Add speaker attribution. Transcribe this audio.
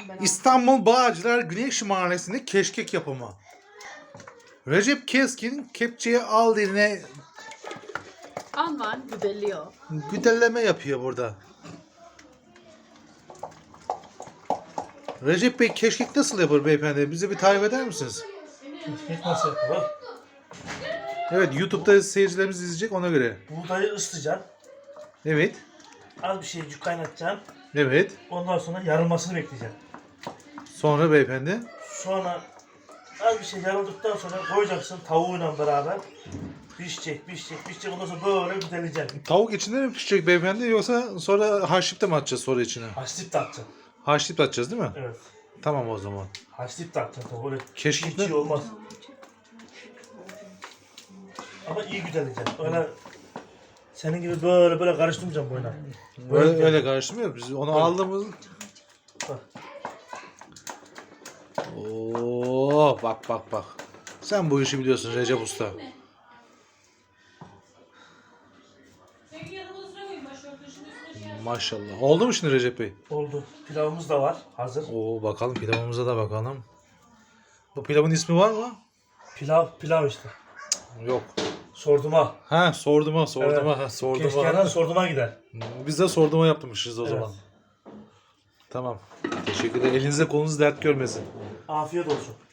Speaker 1: ben.
Speaker 2: İstanbul Bağcılar Güneş Mahallesi'nde keşkek yapımı. Recep Keskin kepçeye al eline
Speaker 1: Aman güdeliyor.
Speaker 2: güdelleme yapıyor burada. Recep Bey keşkek nasıl yapar beyefendi? Bize bir tarif eder misiniz?
Speaker 3: Keşkek nasıl yapılır?
Speaker 2: Evet, YouTube'da seyircilerimiz izleyecek, ona göre.
Speaker 3: Buğdayı ıslayacaksın.
Speaker 2: Evet.
Speaker 3: Az bir şeycik kaynatacaksın.
Speaker 2: Evet.
Speaker 3: Ondan sonra yarılmasını bekleyeceksin.
Speaker 2: Sonra beyefendi.
Speaker 3: Sonra az bir şey yarıldıktan sonra koyacaksın tavuğuyla beraber. Pişecek. Ondan sonra böyle güdeleyeceksin.
Speaker 2: Tavuk içinde mi pişecek beyefendi, yoksa sonra haşlayıp da mı atacağız sonra içine?
Speaker 3: Haşlayıp da atacaksın.
Speaker 2: Haşlayıp da atacağız değil mi?
Speaker 3: Evet.
Speaker 2: Tamam o zaman.
Speaker 3: Haşlayıp da atacaksın tabii. Öyle
Speaker 2: Keşkek
Speaker 3: hiç
Speaker 2: ne?
Speaker 3: olmaz. Ama iyi güdeleyeceksin. Öyle senin gibi böyle karıştırmayacaksın boyuna.
Speaker 2: Öyle karıştırmıyor. Biz onu aldığımız...
Speaker 3: Bak.
Speaker 2: Oo, bak. Sen bu işi biliyorsun Recep Usta. Maşallah. Oldu mu şimdi Recep Bey?
Speaker 3: Oldu. Pilavımız da var. Hazır.
Speaker 2: Oo, bakalım pilavımıza da bakalım. Bu pilavın ismi var mı?
Speaker 3: Pilav işte.
Speaker 2: Yok.
Speaker 3: Sorduma.
Speaker 2: Ha, sorduma.
Speaker 3: Evet. Keşkeğden sorduma gider.
Speaker 2: Biz de sorduma yapmışız o
Speaker 3: Evet.
Speaker 2: zaman. Tamam. Teşekkür ederim. Elinize kolunuz dert görmesin.
Speaker 3: Afiyet olsun.